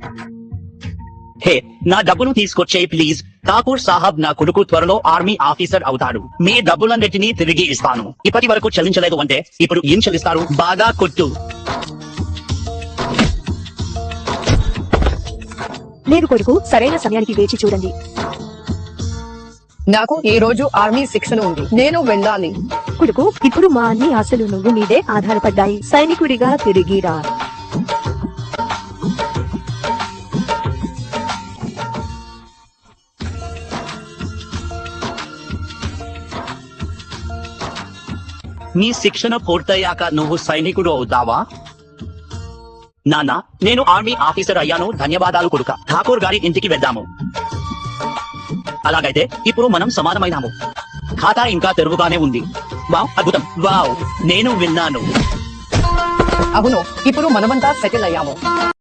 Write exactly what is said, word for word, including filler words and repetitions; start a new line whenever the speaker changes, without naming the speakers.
హే, నా డబ్బును తీసుకొచ్చేయి ప్లీజ్. ఠాకూర్ సాహబ్, నా కొడుకు త్వరలో ఆర్మీ ఆఫీసర్ అవుతాడు. మీ డబ్బులన్నిటినీ తిరిగి ఇస్తాను. ఇప్పటి వరకు చెల్లించలేదు అంటే ఇప్పుడు ఏం చెల్లిస్తారు? బాగా కొట్టు.
లేదు కొడుకు, సరైన సమయానికి వేచి చూడండి.
నాకు ఈ రోజు ఆర్మీ శిక్షణ ఉంది, నేను వెళ్ళాలి.
కొడుకు, ఇప్పుడు మా అన్ని ఆశలు నువ్వు మీదే ఆధారపడ్డాయి. సైనికుడిగా తిరిగిరా.
నీ శిక్షణ పూర్తయ్యాక నువ్వు సైనికుడు అవుతావా? నాన్న, నేను ఆర్మీ ఆఫీసర్ అయ్యాను. ధన్యవాదాలు కొడుక. ఠాకూర్ గారి ఇంటికి వెళ్దాము. అలాగైతే ఇప్పుడు మనం సమానమైనాము. ఖాతా ఇంకా తెరువుగానే ఉంది. వావ్, అద్భుతం. వావ్, నేను విన్నాను.
అవును, ఇప్పుడు మనమంతా సెటిల్ అయ్యాము.